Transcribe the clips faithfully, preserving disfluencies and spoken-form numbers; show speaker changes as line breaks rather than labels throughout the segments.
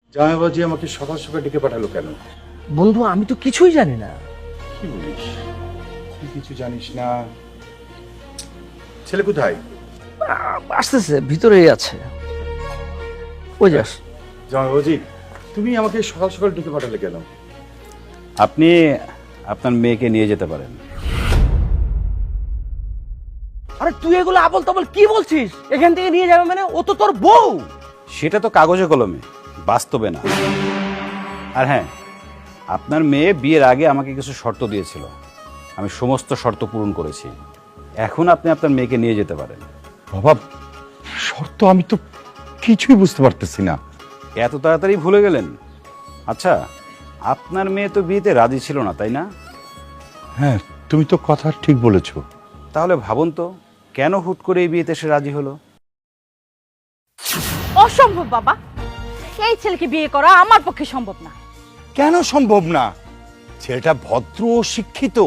জামাইবাজি আমাকে সকাল সকাল ডেকে পাঠালো কেন?
বন্ধু আমি তো কিছুই জানি না।
কি বলিস? তুই কিছু জানিস না? ছেলে কোথায়?
আ- আসতেছে, ভিতরেই আছে। ওই যাস।
জামাইবাজি তুমি আমাকে সকাল সকাল ডেকে পাঠালে কেন?
আপনি আপনার মেয়েকে নিয়ে যেতে পারেন।
আরে তুই এগুলো আবল তাবল কি বলছিস? এখান থেকে নিয়ে যাবে মানে? ও তো তোর বউ।
সেটা তো কাগজে কলমে, বাস্তবে না। আর হ্যাঁ, আপনার মেয়ে বিয়ের আগে আমাকে কিছু শর্ত দিয়েছিল, আমি সমস্ত শর্ত পূরণ করেছি। এখন আপনি আপনার মেয়েকে নিয়ে যেতে পারেন।
বাবা, শর্ত আমি তো কিছুই বুঝতে পারতেছি না।
এত তাড়াতাড়ি ভুলে গেলেন? আচ্ছা, আপনার মেয়ে তো বিয়েতে রাজি ছিল না, তাই না?
হ্যাঁ, তুমি তো কথা ঠিক বলেছো।
তাহলে ভাবুন তো, কেন হুট করে এই বিয়েতে সে রাজি হলো?
অসম্ভব বাবা, এই ছেলেকে বিয়ে করা আমার পক্ষে সম্ভব না।
কেন সম্ভব না? ছেলেটা ভদ্র ও শিক্ষিত।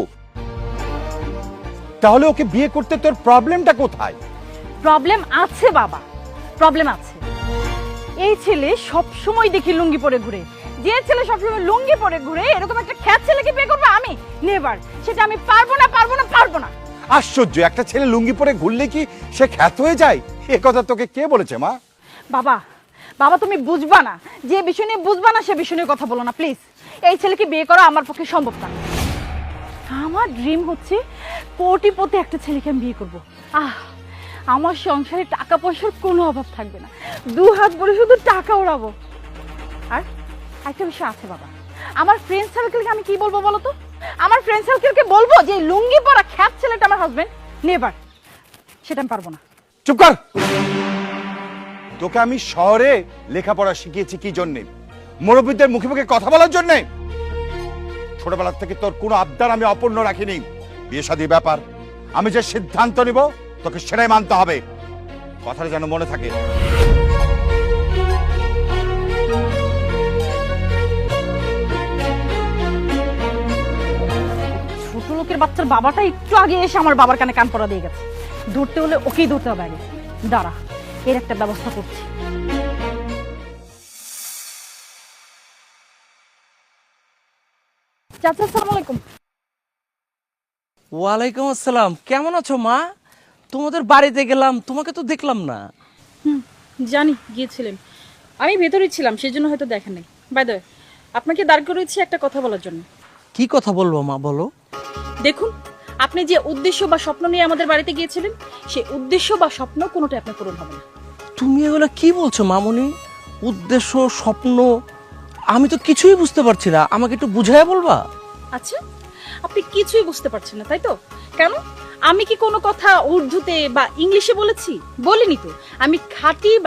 তাহলে ওকে বিয়ে করতে তোর প্রবলেমটা কোথায়?
প্রবলেম আছে বাবা, প্রবলেম আছে। এই ছেলে সব সময় দেখি লুঙ্গি পরে ঘুরে। যে ছেলে সবসময় লুঙ্গি পরে ঘুরে এরকম একটা খ্যাত ছেলেকে বিয়ে করবো আমি? নেভার। সেটা আমি পারবো না, পারবো না, পারবো না।
আশ্চর্য, একটা ছেলে লুঙ্গি পরে ঘুরলে কি সে খ্যাত হয়ে যায়? এ কথা তোকে কে বলেছে মা?
বাবা, বাবা তুমি বুঝবা না, যে বিষয় নিয়ে বুঝবা না সে বিষয় নিয়ে কথা বলো না প্লিজ। এই ছেলেকে বিয়ে করা আমার পক্ষে সম্ভব না। আমার ড্রিম হচ্ছে কোটিপতি একটা ছেলেকে আমি বিয়ে করবো। আহ, আমার সংসারে টাকা পয়সার কোনো অভাব থাকবে না, দু হাত ভরে শুধু টাকা ওড়াবো। আর একটা বিষয় আছে বাবা, আমার ফ্রেন্ড সার্কেলকে আমি কি বলবো বলো তো? আমার ফ্রেন্ড সার্কেলকে বলবো যে লুঙ্গি পরা খ্যাত ছেলেটা আমার হাজবেন্ড? নেভার, সেটা আমি পারবো না।
চুপ কর। তোকে আমি শহরে লেখাপড়া শিখিয়েছি কি জন্যে? মুরব্বীদের মুখে মুখে কথা বলার জন্যে? ছোটবেলা থেকে তোর কোনো আবদার আমি অপূর্ণ রাখিনি। বিয়ে শাদীর ব্যাপার আমি যে সিদ্ধান্ত নিব তোকে সেটাই মানতে হবে। কথাটা যেন মনে থাকে।
ছোট লোকের বাচ্চার বাবাটা একটু আগে এসে আমার বাবার কানে কান পড়া দিয়ে গেছে। ধরতে হলে ওকেই ধরতে হবে আগে। দাঁড়া, এর একটা ব্যবস্থা করছি। চাচা আসসালামু আলাইকুম।
ওয়ালাইকুম আসসালাম। কেমন আছো মা? তোমাদের বাড়িতে গেলাম, তোমাকে তো দেখলাম না।
হুম, জানি গিয়েছিলেন, আমি ভেতরেই ছিলাম, সেই জন্য হয়তো দেখেন নাই। বাই দ্য ওয়ে, আপনাকে দাঁড় করেছি একটা কথা বলার জন্য।
কি কথা বলবো মা, বলো।
দেখুন, আপনি যে উদ্দেশ্য বা স্বপ্ন নিয়ে আমাদের বাড়িতে গিয়েছিলেন, সেই উদ্দেশ্য বা স্বপ্ন কোনোটাই আপনার পূরণ হবে না।
তুমি এগুলো কি বলছো মামুনি? উদ্দেশ্য, স্বপ্ন, আমি তো কিছুই বুঝতে পারছি না, আমাকে একটু বুঝাইয়া বলবা?
আচ্ছা, আপনি কিছুই বুঝতে পারছেন না, তাই তো? কেন? আমি কি কোনো কথা উর্দুতে বা ইংলিশে বলেছি? বলিনি তো। আমি খাঁটি